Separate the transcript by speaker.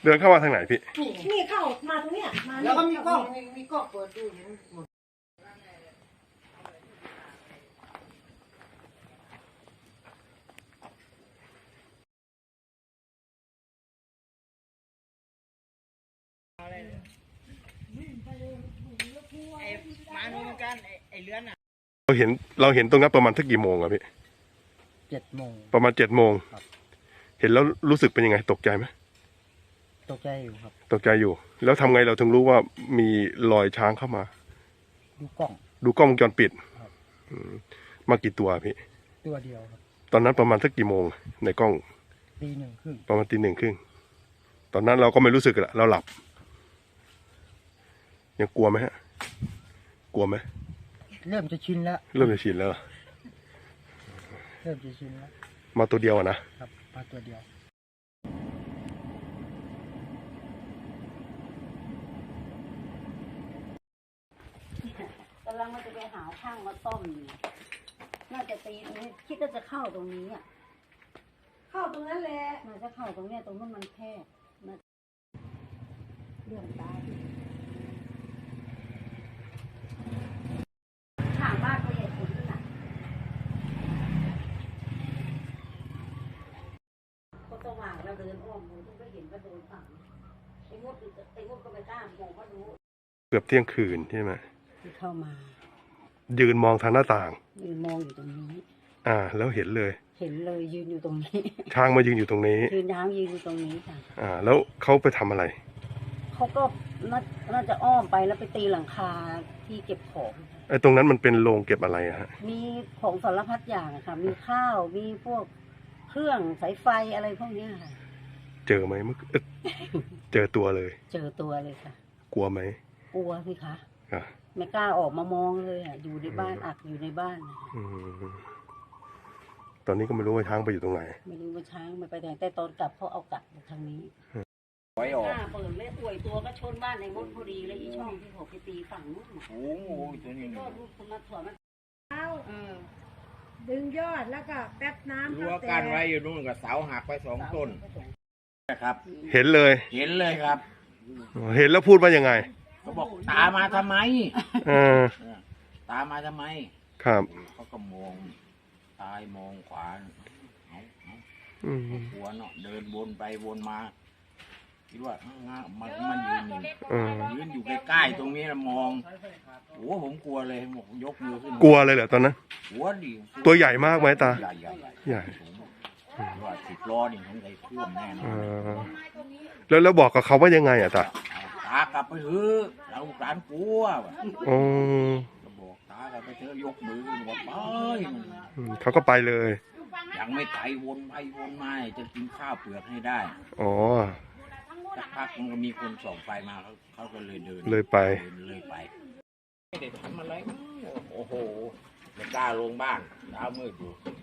Speaker 1: เดินเข้ามาทางไหนพี่
Speaker 2: นี่เข้ามาตรงเนี้ยมา
Speaker 3: แล้วก็มีกล้องเปิดดูเห็นหมดมาดูกันไอ้เลื้อนอ่ะ
Speaker 1: เราเห็นตรงนั้นประมาณสักกี่โมงอะพี่
Speaker 3: 7 โมง
Speaker 1: ประมาณ7 โมงเห็นแล้วรู้สึกเป็นยังไงตกใจไหม
Speaker 3: ตกใจอยู่ครับ
Speaker 1: ตกใจอยู่แล้วทำไงเราถึงรู้ว่ามีรอยช้างเข้ามาดูกล้องวงจรปิดมากี่ตัวพี่
Speaker 3: ตัวเดียวครับ
Speaker 1: ตอนนั้นประมาณสักกี่โมงในกล้อง
Speaker 3: 1:30
Speaker 1: ประมาณ1:30ตอนนั้นเราก็ไม่รู้สึกละเราหลับยังกลัวไหมฮะกลัวไหม
Speaker 3: เริ่มจะชินแล้ว
Speaker 1: เริ่มจะชินแล้วมาตัวเดียว
Speaker 3: นะครับมาตัวเดียว
Speaker 2: กำลังมันจะไปหาช่างมาซ่อมน่าจะตีคิดว่าจะเข้าตรงนี้อ่ะเข้าตรงนั้นแหละมันจะเข้าตรงเนี้ยตรงนั้นมันแคบเรื่องตายถามบ้านเขาใหญ่สุดน่ะก็สว่างแล้วเดินอ้อมดูก็เห็นว่าโดนฝังไอ้มดก็ไปตามมองว่ารู้
Speaker 1: เกือบเที่ยงคืนใช่ไหม
Speaker 2: ที่เข้ามา
Speaker 1: ยืนมองทางหน้าต่าง
Speaker 2: ยืนมองอยู่ตรงนี้
Speaker 1: แล้วเห็นเลย
Speaker 2: ยืนอยู่ตรงนี้
Speaker 1: ช้างมายืนอยู่ตรงนี้
Speaker 2: ยืนอยู่ตรงนี้ค่ะ
Speaker 1: แล้วเขาไปทำอะไร
Speaker 2: เขาก็น่าจะอ้อมไปแล้วไปตีหลังคาที่เก็บของ
Speaker 1: ไอ้ตรงนั้นมันเป็นโรงเก็บอะไรฮะ
Speaker 2: มีของสารพัดอย่างค่ะมีข้าวมีพวกเครื่องสายไฟอะไรพวกนี้ค่ะ
Speaker 1: เจอไหมเจอตัวเลย
Speaker 2: ค่ะ
Speaker 1: กลัวไหม
Speaker 2: กลัวสิคะไม่กล้าออกมามองเลยอยู่ในบ้านอักอยู่ในบ้าน
Speaker 1: ตอนนี้ก็ไม่รู้ว่าช้างไปอยู่ตรงไหน
Speaker 2: ไม่รู้ว่าช้างไปไหนแต่ตอนกลับเขาเอากลับทางนี้
Speaker 3: ไว้ออก
Speaker 2: เปิดเลยป่วยตัวก็ชนบ้านในมดพอดีเลยอีช่องที่เขาไปตีฝั่งนู้น
Speaker 3: โอ้โหตัวนี้
Speaker 2: ก็ลูกคนมาถอดมัน
Speaker 4: ดึงยอดแล้วก็แป๊บน้ำ
Speaker 3: รั้วกั้นไว้อยู่นู่นกับเสาหักไป2 ต้นนะครับ
Speaker 1: เห็นเลย
Speaker 3: ครับ
Speaker 1: เห็นแล้วพูดว่ายังไง
Speaker 3: เขาบอกตามาทำไมตามาทำไม
Speaker 1: ครับ
Speaker 3: เขาก็มองซ้ายมองขวาหัวเนาะเดินวนไปวนมาคิดว่ามันยืนอยู่ใกล้ๆตรงนี้นะมองโอ้ผมกลัวเลยยกมือขึ้น
Speaker 1: กลัวเลยเหรอตอนนั้น
Speaker 3: หัวดิ
Speaker 1: ตัวใหญ่มากไหมตาใหญ่
Speaker 3: ว่า10 ล้อนี่ผมใจท่วมแน่น
Speaker 1: อนแล้วบอกกับเขาว่ายังไงต
Speaker 3: ากลับไปเถอะเราหลานกลัวก็บอกตากลับไปเถอะยกมือบอกไป
Speaker 1: เขาก็ไปเลย
Speaker 3: ยังไม่ไปวนไปวนมาจะกินข้าวเปลือกให้ได้สักพักมันก็มีคนส่องไฟมาเขาก็เลยเดิน
Speaker 1: เลยไป
Speaker 3: ไม่ได้ทำอะไรโอ้โหไม่กล้าลงบ้านเช้ามืดอยู่